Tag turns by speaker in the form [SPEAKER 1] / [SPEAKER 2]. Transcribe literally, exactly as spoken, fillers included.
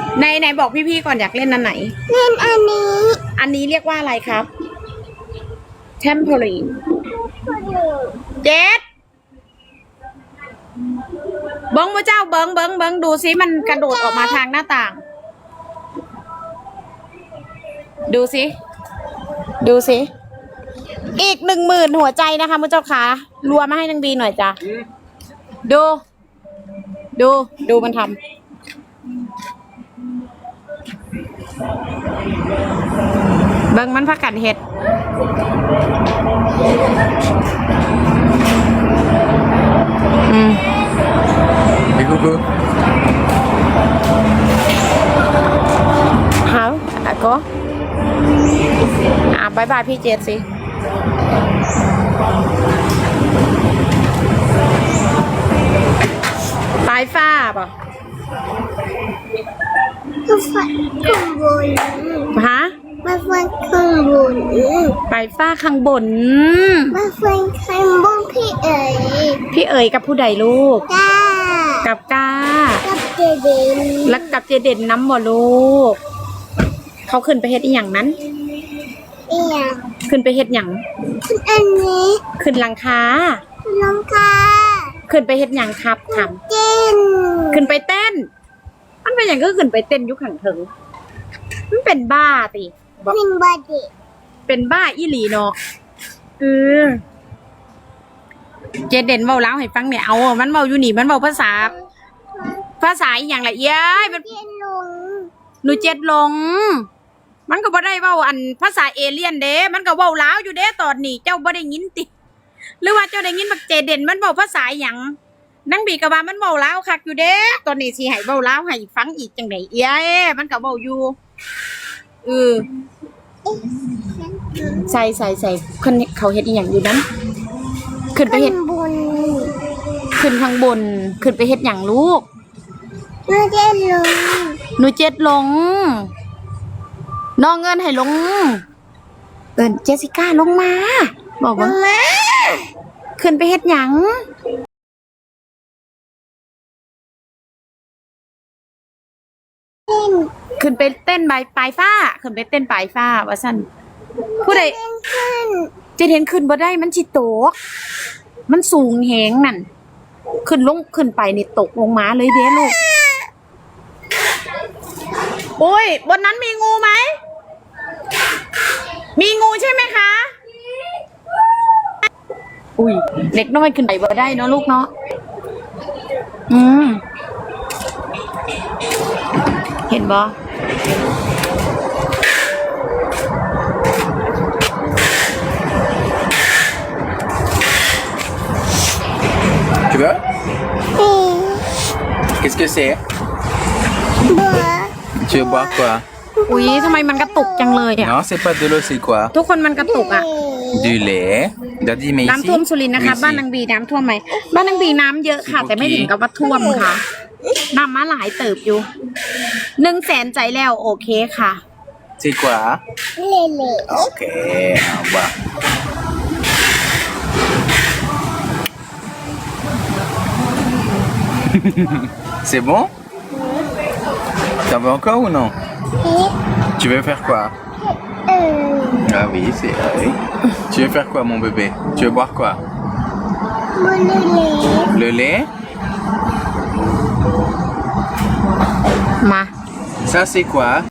[SPEAKER 1] ในไหนบอกพี่ๆก่อนอยากเล่นอันไหน
[SPEAKER 2] เล่นอันนี้
[SPEAKER 1] อันนี้เรียกว่าอะไรครับเทมโพลีนเจ็ดเบิ้งพระเจ้าเบิ้งเบิ้งเบิ้งดูซิมันกระโดดออกมาทางหน้าต่างดูสิดูสิอีกหนึ่งหมื่นหัวใจนะคะมุเจ้าขารัวมาให้นางบีหน่อยจ้ะดู ดูดูมันทำเบิ่งมันพักกัดเห็ดอืม
[SPEAKER 3] Et coucou.
[SPEAKER 1] เขาอะก็อ่ะบายบายพี่เจดสิปลายฟ้าป่ะ
[SPEAKER 2] มาฟันข้างบน
[SPEAKER 1] ฮะ
[SPEAKER 2] มาฟันข้างบน
[SPEAKER 1] ปลายฟ้าข้างบน
[SPEAKER 2] มาฟันข้างบนพี่เอ๋ย
[SPEAKER 1] พี่เอ๋ยกับผู้ใดลูก
[SPEAKER 2] ก้า
[SPEAKER 1] กับก้า
[SPEAKER 2] กับเจเด่น
[SPEAKER 1] แล้วกับเจเด่นน้ำบ่ลูกเขาขึ้นไปเฮ็ดอีหยังนั้น
[SPEAKER 2] อีหยัง
[SPEAKER 1] ขึ้นไปเฮ็ดหยัง
[SPEAKER 2] ขึ้นอันนี้
[SPEAKER 1] ขึ้นหลังคา
[SPEAKER 2] หลังคา
[SPEAKER 1] ขึ้นไปเฮ็ดหยังครับทำ
[SPEAKER 2] เต้น
[SPEAKER 1] ขึ้นไปเต้นมันเป็นอย่างก็ขึ้นไปเต้นยุคขังถึงมันเป็นบ้าติ
[SPEAKER 2] เป็นบ้าดิ
[SPEAKER 1] เป็นบ้าอีหลีเนาะเออเจเด่นเว้าแล้วให้ฟังเนี่ยเอามันเว้าอยู่นี่มันเว้าภาษาภาษาอีหยังละเอียดมัน
[SPEAKER 2] เจ็ดลง
[SPEAKER 1] หนูเจ็ดลงมันก็บ่ได้เว้าอันภาษาเอเลี่ยนเด้มันก็เว้าลาวอยู่เด้ตอนนี้เจ้าบ่ได้ยินติหรือว่าเจ้าได้ยินบักเจเด่นมันเว้าภาษาหยังนั่งบีก็ว่ามันเว้าลาวคักอยู่เด้ตอนนี้สิให้เว้าลาวให้ฟังอีกจังได๋เอ้ยมันก็เว้าอยู่เออใส่ใส่ใส่คนเขาเฮ็ดอีหยังอยู่นั้นขึ้นไปเฮ็ด
[SPEAKER 2] บน
[SPEAKER 1] ขึ้นข้างบนขึ้นไปเฮ็ดหยังลูก
[SPEAKER 2] หนูเจ็ดลง
[SPEAKER 1] หนูเจ็ดลงน้องเงินให้ลงเอิ้นเจสสิก้าลงมาบอกว่าขึ้นไปเฮ็ดหยังขึ้นไปเต้นใบปลายฟ้าขึ้นไปเต้นปลายฟ้าว่าซั่นผู้ใดจะเห็นขึ้นบ่ได้มันสิตกมันสูงแฮงนั่นขึ้นลงขึ้นไปนี่ตกลงมาเลยเด้ลูกโอ้ยบนนั้นมีงูไหมมีงูใช่ไหมคะอุ้ยเล็กน้อยขึ้นไปบ่ได้เนาะลูกเนาะอืมเห็นบ่
[SPEAKER 3] Tu veux? Qu'est-ce que c'est? Tu veux boire quoi?
[SPEAKER 1] อุ้ยทำไมมันกระตุกจังเลยอ่ะ
[SPEAKER 3] Non, c'est pas de l'eau, c'est quoi?
[SPEAKER 1] ทุกคนมันกระตุกอ่ะ
[SPEAKER 3] Du lait. Daddy, mais ici.
[SPEAKER 1] น้ำท่วมสุรินทร์นะคะบ้านนางบีน้ำท่วมไหมบ้านนางบีน้ำเยอะค่ะแต่ไม่ถึงกับว่าท่วมค่ะน้ำมาหลายเติบอยู่หนึ่งแสนใจแล้วโอเคค่ะ
[SPEAKER 3] C'est quoi?
[SPEAKER 2] เล่เล่
[SPEAKER 3] Ok, on boit. C'est bon? T'en veux encore ou non? Tu veux faire quoi? Ah oui, c'est vrai. Tu veux faire quoi, mon bébé? Tu veux boire quoi? Le lait?
[SPEAKER 1] มา
[SPEAKER 3] Ça, c'est quoi?